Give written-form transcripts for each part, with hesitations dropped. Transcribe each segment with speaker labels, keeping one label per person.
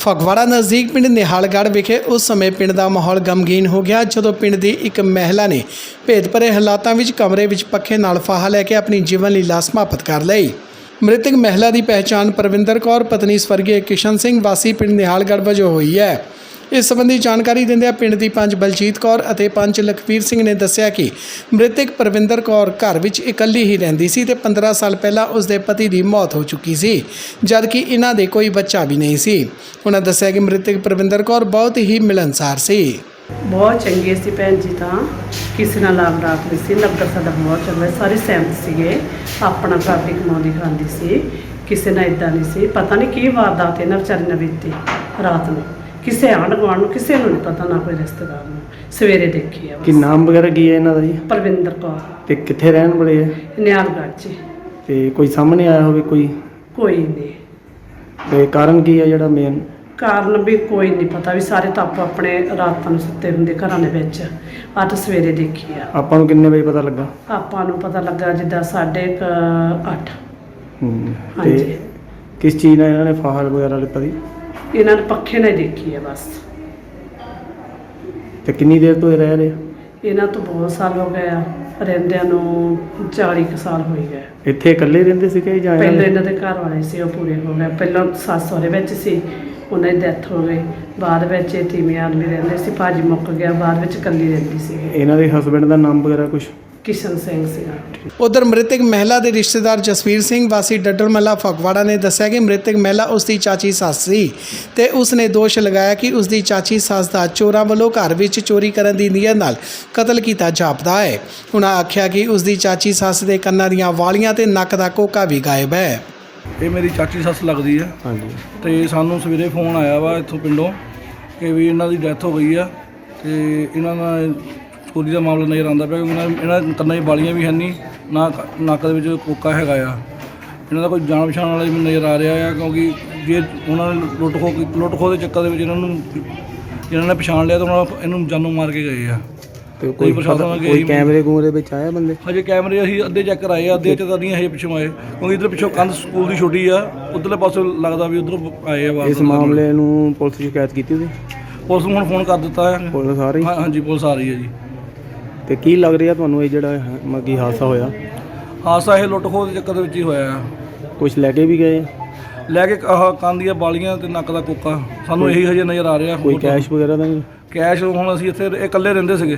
Speaker 1: ਫਗਵਾੜਾ ਨਜ਼ਦੀਕ ਪਿੰਡ ਨਿਹਾਲਗੜ੍ਹ ਵਿਖੇ ਉਸ ਸਮੇਂ ਪਿੰਡ ਦਾ ਮਾਹੌਲ ਗਮਗੀਨ ਹੋ ਗਿਆ ਜਦੋਂ ਪਿੰਡ ਦੀ ਇੱਕ ਮਹਿਲਾ ਨੇ ਭੇਦ ਭਰੇ ਹਾਲਾਤਾਂ ਵਿੱਚ ਕਮਰੇ ਵਿੱਚ ਪੱਖੇ ਨਾਲ ਫਾਹਾ ਲੈ ਕੇ ਆਪਣੀ ਜੀਵਨ ਲੀਲਾ ਸਮਾਪਤ ਕਰ ਲਈ। ਮ੍ਰਿਤਕ ਮਹਿਲਾ ਦੀ ਪਹਿਚਾਣ ਪਰਵਿੰਦਰ ਕੌਰ ਪਤਨੀ ਸਵਰਗੀ ਕਿਸ਼ਨ ਸਿੰਘ ਵਾਸੀ ਪਿੰਡ ਨਿਹਾਲਗੜ੍ਹ ਵਜੋਂ ਹੋਈ ਹੈ। ਇਸ ਸੰਬੰਧੀ ਜਾਣਕਾਰੀ ਦਿੰਦਿਆਂ ਪਿੰਡ ਦੀ ਪੰਚ ਬਲਜੀਤ ਕੌਰ ਅਤੇ ਪੰਚ ਲਖਵੀਰ ਸਿੰਘ ਨੇ ਦੱਸਿਆ ਕਿ ਮ੍ਰਿਤਕ ਪਰਵਿੰਦਰ ਕੌਰ ਘਰ ਵਿੱਚ ਇਕੱਲੀ ਹੀ ਰਹਿੰਦੀ ਸੀ ਤੇ 15 ਸਾਲ ਪਹਿਲਾਂ ਉਸ ਦੇ ਪਤੀ ਦੀ ਮੌਤ ਹੋ ਚੁੱਕੀ ਸੀ, ਜਦਕਿ ਇਹਨਾਂ ਦੇ ਕੋਈ ਬੱਚਾ ਵੀ ਨਹੀਂ ਸੀ। ਉਹਨਾਂ ਦੱਸਿਆ ਕਿ ਮ੍ਰਿਤਕ ਪਰਵਿੰਦਰ ਕੌਰ ਬਹੁਤ ਹੀ ਮਿਲਣਸਾਰ ਸੀ।
Speaker 2: ਬਹੁਤ ਚੰਗੇ ਸੀ ਭੈਣ ਜੀ, ਤਾਂ ਕਿਸੇ ਨਾਲ ਲਾਭ ਰੱਖਦੀ ਸੀ। ਨਗਰ ਸਾਡਾ ਬਹੁਤ ਚੰਗਾ, ਸਾਰੇ ਸਹਿਮਤ ਸੀਗੇ, ਆਪਣਾ ਘਰ ਵੀ ਕਮਾਉਂਦੀ ਖਾਂਦੀ ਸੀ, ਕਿਸੇ ਨਾਲ ਇਦਾਂ ਨਹੀਂ ਸੀ। ਪਤਾ ਨਹੀਂ ਕੀ ਵਾਰਦਾਤ ਇਹਨਾਂ ਵਿਚਾਰੀ ਨਾਲ ਬੀਤੀ ਰਾਤ ਨੂੰ, ਕਿਸੇ ਆਂਢ ਗੁਆਂਢ ਨੂੰ ਕਿਸੇ ਨੂੰ ਨਹੀਂ ਪਤਾ, ਨਾ ਕੋਈ ਰਿਸ਼ਤੇਦਾਰ ਨੂੰ। ਸਵੇਰੇ ਦੇਖੀ ਆ।
Speaker 3: ਕੀ ਨਾਮ ਵਗੈਰਾ ਕੀ ਹੈ ਇਹਨਾਂ ਦਾ ਜੀ?
Speaker 2: ਪਰਵਿੰਦਰ ਕੌਰ।
Speaker 3: ਤੇ ਕਿੱਥੇ ਰਹਿਣ ਵਾਲੇ ਹੈ?
Speaker 2: ਨਿਹਾਲਗੜ੍ਹ 'ਚ।
Speaker 3: ਤੇ ਕੋਈ ਸਾਹਮਣੇ ਆਇਆ ਹੋਵੇ
Speaker 2: ਕੋਈ ਨਹੀਂ।
Speaker 3: ਤੇ ਕਾਰਨ ਕੀ ਹੈ ਜਿਹੜਾ ਮੇਨ?
Speaker 2: ਕਾਰਨ ਵੀ ਕੋਈ ਨਹੀਂ ਪਤਾ, ਵੀ ਸਾਰੇ ਤਾਂ ਆਪੋ ਆਪਣੇ ਰਾਤਾਂ ਨੂੰ ਸੁੱਤੇ ਹੁੰਦੇ ਘਰਾਂ ਦੇ ਵਿੱਚ। ਅੱਜ ਸਵੇਰੇ ਦੇਖੀ ਆ।
Speaker 3: ਆਪਾਂ ਨੂੰ ਕਿੰਨੇ ਵਜੇ ਪਤਾ ਲੱਗਾ?
Speaker 2: ਆਪਾਂ ਨੂੰ ਪਤਾ ਲੱਗਾ ਜਿੱਦਾਂ 8:30। ਹਾਂਜੀ।
Speaker 3: ਤੇ ਕਿਸ ਚੀਜ਼ ਨਾਲ ਇਹਨਾਂ ਨੇ ਫਾਹਾ ਵਗੈਰਾ ਲਿੱਤਾ ਸੀ?
Speaker 2: ਇਹਨਾਂ ਨੇ ਪੱਖੇ ਨਾਲ ਹੀ ਦੇਖੀ ਹੈ ਬਸ।
Speaker 3: ਤੇ ਕਿੰਨੀ ਦੇਰ ਤੋਂ ਇਹ ਰਹਿ ਰਹੇ?
Speaker 2: ਇਹਨਾਂ ਤੋਂ ਬਹੁਤ ਸਾਲ ਹੋ ਗਏ ਆ, ਰਹਿੰਦਿਆਂ ਨੂੰ 40 ਕੁ ਸਾਲ ਹੋ ਗਏ।
Speaker 3: ਇੱਥੇ ਇਕੱਲੇ ਰਹਿੰਦੇ ਸੀਗੇ ਜਾਂ
Speaker 2: ਪਹਿਲਾਂ ਇਹਨਾਂ ਦੇ ਘਰ ਵਾਲੇ ਸੀ, ਉਹ ਪੂਰੇ ਹੋ ਗਏ। ਪਹਿਲਾਂ ਸੱਸ ਸਹੁਰੇ ਵਿੱਚ ਸੀ, ਉਹਨਾਂ ਦੀ ਡੈਥ ਹੋ ਗਈ। ਬਾਅਦ ਵਿੱਚ ਇਹ ਤੀਵੀਂ ਆਦਮੀ ਰਹਿੰਦੇ ਸੀ, ਭਾਜੀ ਮੁੱਕ ਗਿਆ, ਬਾਅਦ ਵਿੱਚ ਇਕੱਲੀ ਰਹਿੰਦੀ ਸੀ।
Speaker 3: ਇਹਨਾਂ ਦੇ ਹਸਬੈਂਡ ਦਾ ਨਾਮ ਵਗੈਰਾ ਕੁਝ?
Speaker 2: ਕਿਸ਼ਨ ਸਿੰਘ ਸੀਗਾ।
Speaker 1: ਉਧਰ ਮ੍ਰਿਤਕ ਮਹਿਲਾ ਦੇ ਰਿਸ਼ਤੇਦਾਰ ਜਸਵੀਰ ਸਿੰਘ ਵਾਸੀ ਡੱਡਰ ਮੱਲਾ ਫਗਵਾੜਾ ਨੇ ਦੱਸਿਆ ਕਿ ਮ੍ਰਿਤਕ ਮਹਿਲਾ ਉਸ ਦੀ ਚਾਚੀ ਸੱਸ ਸੀ ਤੇ ਉਸ ਨੇ ਦੋਸ਼ ਲਗਾਇਆ ਕਿ ਉਸ ਦੀ ਚਾਚੀ ਸੱਸ ਦਾ ਚੋਰਾਂ ਵੱਲੋਂ ਘਰ ਵਿੱਚ ਚੋਰੀ ਕਰਨ ਦੀ ਨੀਅਤ ਨਾਲ ਕਤਲ ਕੀਤਾ ਜਾਪਦਾ ਹੈ। ਉਹਨਾਂ ਆਖਿਆ ਕਿ ਉਸ ਦੀ ਚਾਚੀ ਸੱਸ ਦੇ ਕੰਨਾਂ ਦੀਆਂ ਵਾਲੀਆਂ ਤੇ ਨੱਕ ਦਾ ਕੋਕਾ ਵੀ ਗਾਇਬ ਹੈ।
Speaker 4: ਇਹ ਮੇਰੀ ਚਾਚੀ ਸੱਸ ਲੱਗਦੀ ਆ।
Speaker 3: ਹਾਂਜੀ।
Speaker 4: ਤੇ ਸਾਨੂੰ ਸਵੇਰੇ ਫੋਨ ਆਇਆ ਵਾ ਇੱਥੋਂ ਪਿੰਡੋਂ ਕਿ ਵੀ ਇਹਨਾਂ ਦੀ ਡੈਥ ਹੋ ਗਈ ਆ ਤੇ ਇਹਨਾਂ ਦਾ ਚੋਰੀ ਦਾ ਮਾਮਲਾ ਨਜ਼ਰ ਆਉਂਦਾ ਪਿਆ, ਕਿਉਂਕਿ ਇਹਨਾਂ ਕੰਨਾਂ 'ਚ ਵਾਲੀਆਂ ਵੀ ਹੈ ਨਹੀਂ, ਨਾ ਨੱਕ ਦੇ ਵਿੱਚ ਕੋਕਾ ਹੈਗਾ ਆ। ਇਹਨਾਂ ਦਾ ਕੋਈ ਜਾਣ ਪਛਾਣ ਵਾਲਾ ਵੀ ਨਜ਼ਰ ਆ ਰਿਹਾ ਆ, ਕਿਉਂਕਿ ਜੇ ਉਹਨਾਂ ਨੇ ਲੁੱਟ ਖੋਹ ਦੇ ਚੱਕਰ ਦੇ ਵਿੱਚ ਇਹਨਾਂ ਨੇ ਪਛਾਣ ਲਿਆ ਤਾਂ ਉਹਨਾਂ ਇਹਨੂੰ ਜਾਨੋਂ ਮਾਰ ਕੇ ਗਏ ਆ।
Speaker 3: ਤੇ ਕੋਈ ਕੈਮਰੇ ਕੂਮਰੇ ਵਿੱਚ ਆਇਆ ਬੰਦੇ?
Speaker 4: ਹਜੇ ਕੈਮਰੇ ਅਸੀਂ ਅੱਧੇ ਚੈੱਕ ਕਰਾਏ ਆ, ਅੱਧੇ 'ਚ ਤਾਂ ਨਹੀਂ ਹਜੇ ਪਿੱਛੋਂ ਆਏ, ਕਿਉਂਕਿ ਇੱਧਰ ਪਿੱਛੋਂ ਕੰਧ ਸਕੂਲ ਦੀ ਛੋਟੀ ਆ, ਉੱਧਰਲੇ ਪਾਸੇ ਲੱਗਦਾ ਵੀ ਉੱਧਰ ਆਏ ਆ।
Speaker 3: ਇਸ ਮਾਮਲੇ ਨੂੰ ਪੁਲਿਸ ਨੂੰ ਸ਼ਿਕਾਇਤ ਕੀਤੀ ਸੀ?
Speaker 4: ਪੁਲਿਸ ਨੂੰ ਹੁਣ ਫੋਨ ਕਰ ਦਿੱਤਾ ਹੈ।
Speaker 3: ਪੁਲਿਸ ਆ ਰਹੀ?
Speaker 4: ਹਾਂਜੀ, ਪੁਲਿਸ ਆ ਰਹੀ ਹੈ ਜੀ।
Speaker 3: ਤੇ ਕੀ ਲੱਗ ਰਿਹਾ ਤੁਹਾਨੂੰ ਇਹ ਜਿਹੜਾ ਮਗੀ ਹਾਦਸਾ ਹੋਇਆ?
Speaker 4: ਹਾਦਸਾ ਇਹ ਲੁੱਟ ਖੋਹ ਦੇ ਚੱਕਰ ਦੇ ਵਿੱਚ ਹੀ ਹੋਇਆ ਆ।
Speaker 3: ਕੁਝ ਲੈ ਕੇ ਵੀ ਗਏ?
Speaker 4: ਲੈ ਕੇ ਆਹ ਕੰਨ ਦੀਆਂ ਵਾਲੀਆਂ ਤੇ ਨੱਕ ਦਾ ਕੋਕਾ, ਸਾਨੂੰ ਇਹੀ ਹਜੇ ਨਜ਼ਰ ਆ ਰਿਹਾ।
Speaker 3: ਕੋਈ ਕੈਸ਼ ਵਗੈਰਾ ਤਾਂ ਨਹੀਂ?
Speaker 4: ਕੈਸ਼ ਹੁਣ ਅਸੀਂ ਇੱਥੇ ਇਹ ਇਕੱਲੇ ਰਹਿੰਦੇ ਸੀਗੇ।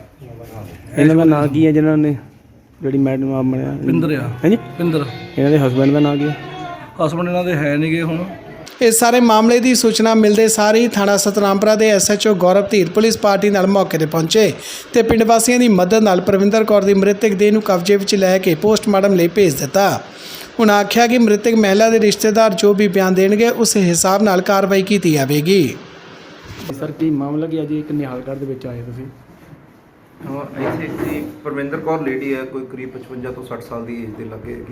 Speaker 3: ਇਹਨਾਂ ਦਾ ਨਾਂ ਕੀ ਹੈ ਜਿਨ੍ਹਾਂ ਨੇ ਜਿਹੜੀ ਮੈਡਮ ਆਪ ਬਣਿਆ?
Speaker 4: ਪਿੰਦਰ ਆ।
Speaker 3: ਹਾਂਜੀ,
Speaker 4: ਪਿੰਦਰ।
Speaker 3: ਇਹਨਾਂ ਦੇ ਹਸਬੈਂਡ ਦਾ ਨਾਂ ਕੀ ਹੈ?
Speaker 4: ਹਸਬੈਂਡ ਇਹਨਾਂ ਦੇ ਹੈ ਨਹੀਂਗੇ ਹੁਣ।
Speaker 1: ਇਸ ਸਾਰੇ ਮਾਮਲੇ ਦੀ ਸੂਚਨਾ ਮਿਲਦੇ ਸਾਰ ਹੀ ਥਾਣਾ ਸਤਨਾਮਪੁਰਾ ਦੇ SHO Gaurav Dhir police party ਨਾਲ ਮੌਕੇ ਤੇ ਪਹੁੰਚੇ ਤੇ ਪਿੰਡ ਵਾਸੀਆਂ ਦੀ ਮਦਦ ਨਾਲ ਪਰਵਿੰਦਰ ਕੌਰ ਦੀ ਮ੍ਰਿਤਕ ਦੇਹ ਨੂੰ ਕਬਜ਼ੇ ਵਿੱਚ ਲੈ ਕੇ ਪੋਸਟਮਾਰਟਮ ਲਈ ਭੇਜ ਦਿੱਤਾ। ਉਹਨਾਂ ਆਖਿਆ ਕਿ ਮ੍ਰਿਤਕ ਮਹਿਲਾ ਦੇ ਰਿਸ਼ਤੇਦਾਰ ਜੋ ਵੀ ਬਿਆਨ ਦੇਣਗੇ ਉਸ ਹਿਸਾਬ ਨਾਲ ਕਾਰਵਾਈ ਕੀਤੀ ਜਾਵੇਗੀ।
Speaker 3: ਸਰ ਕੀ ਮਾਮਲਾ ਕੀ ਅੱਜ ਇੱਕ ਨਿਹਾਲਗੜ੍ਹ ਦੇ ਵਿੱਚ ਆਏ ਤੁਸੀਂ?
Speaker 5: ਹਾਂ, ਇੱਥੇ ਇੱਕ ਪਰਵਿੰਦਰ ਕੌਰ ਲੇਡੀ ਹੈ, ਕੋਈ ਕਰੀਬ 55 ਤੋਂ 60 ਸਾਲ ਦੀ ਏਜ ਦੇ ਲੱਗੇ ਹੈਗੀ,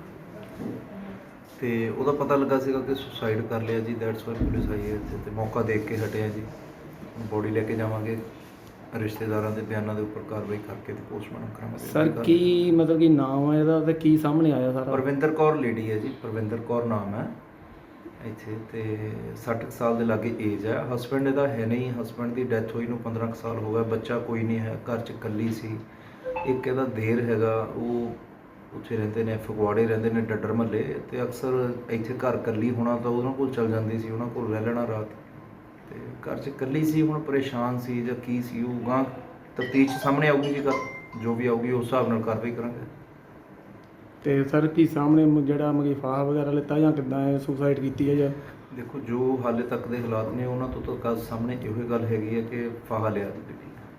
Speaker 5: ਤੇ ਉਹਦਾ ਪਤਾ ਲੱਗਾ ਸੀਗਾ ਕਿ ਸੁਸਾਈਡ ਕਰ ਲਿਆ ਜੀ। ਦੈਟਸ ਵਾਈ ਪੁਲਿਸ ਆਈ ਹੈ ਇੱਥੇ, ਤੇ ਮੌਕਾ ਦੇਖ ਕੇ ਹਟਿਆ ਜੀ। ਬੋਡੀ ਲੈ ਕੇ ਜਾਵਾਂਗੇ, ਰਿਸ਼ਤੇਦਾਰਾਂ ਦੇ ਬਿਆਨਾਂ ਦੇ ਉੱਪਰ ਕਾਰਵਾਈ ਕਰਕੇ ਤੇ ਪੋਸਟਮਾਰਟਮ ਕਰਾਵਾਂਗੇ।
Speaker 3: ਸਰ ਕੀ ਮਤਲਬ ਕਿ ਨਾਮ ਹੈ ਇਹਦਾ ਤੇ ਕੀ ਸਾਹਮਣੇ ਆਇਆ ਸਾਰਾ?
Speaker 5: ਪਰਵਿੰਦਰ ਕੌਰ ਲੇਡੀ ਹੈ ਜੀ, ਪਰਵਿੰਦਰ ਕੌਰ ਨਾਮ ਹੈ ਇੱਥੇ, ਤੇ 60 ਸਾਲ ਦੇ ਲਾਗੇ ਏਜ ਹੈ। ਹਸਬੈਂਡ ਇਹਦਾ ਹੈ ਨਹੀਂ, ਹਸਬੈਂਡ ਦੀ ਡੈਥ ਹੋਈ ਨੂੰ 15 ਸਾਲ ਹੋ ਗਏ, ਬੱਚਾ ਕੋਈ ਨਹੀਂ ਹੈ, ਘਰ 'ਚ ਇਕੱਲੀ ਸੀ। ਇੱਕ ਇਹਦਾ ਦੇਰ ਹੈਗਾ, ਉਹ ਉੱਥੇ ਰਹਿੰਦੇ ਨੇ, ਫਗਵਾੜੇ ਰਹਿੰਦੇ ਨੇ ਡੱਡਰ ਮਹੱਲੇ, ਤੇ ਅਕਸਰ ਇੱਥੇ ਘਰ ਇਕੱਲੀ ਹੋਣਾ ਤਾਂ ਉਹਨਾਂ ਕੋਲ ਚਲ ਜਾਂਦੀ ਸੀ, ਉਹਨਾਂ ਕੋਲ ਰਹਿ ਲੈਣਾ ਰਾਤ, ਤੇ ਘਰ 'ਚ ਇਕੱਲੀ ਸੀ। ਹੁਣ ਪਰੇਸ਼ਾਨ ਸੀ ਜਾਂ ਕੀ ਸੀ, ਉਹ ਗਾਂ ਤਫਤੀਸ਼ ਸਾਹਮਣੇ ਆਊਗੀ ਜੀ, ਜੋ ਵੀ ਆਊਗੀ ਉਸ ਹਿਸਾਬ ਨਾਲ ਕਾਰਵਾਈ ਕਰਾਂਗੇ।
Speaker 3: ਤੇ ਸਰ ਕੀ ਸਾਹਮਣੇ ਜਿਹੜਾ ਮਗੀ ਫਾਹਾ ਵਗੈਰਾ ਲਿੱਤਾ ਜਾਂ ਕਿੱਦਾਂ ਹੈ, ਸੁਸਾਈਡ ਕੀਤੀ ਹੈ ਜਾਂ?
Speaker 5: ਦੇਖੋ, ਜੋ ਹਾਲੇ ਤੱਕ ਦੇ ਹਾਲਾਤ ਨੇ ਉਹਨਾਂ ਤੋਂ ਤਾਂ ਗੱਲ ਸਾਹਮਣੇ ਇਹੋ ਹੀ ਗੱਲ ਹੈਗੀ ਹੈ ਕਿ ਫਾਹਾ ਲਿਆ ਦਿੱਤੀ।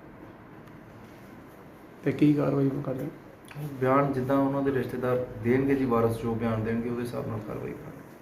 Speaker 3: ਤੇ ਕੀ ਕਾਰਵਾਈ ਕਰਦੇ?
Speaker 5: ਬਿਆਨ ਜਿੱਦਾਂ ਉਹਨਾਂ ਦੇ ਰਿਸ਼ਤੇਦਾਰ ਦੇਣਗੇ ਜੀ, ਵਾਰਸ ਜੋ ਬਿਆਨ ਦੇਣਗੇ ਉਹਦੇ ਹਿਸਾਬ ਨਾਲ ਕਾਰਵਾਈ ਕਰਾਂਗੇ।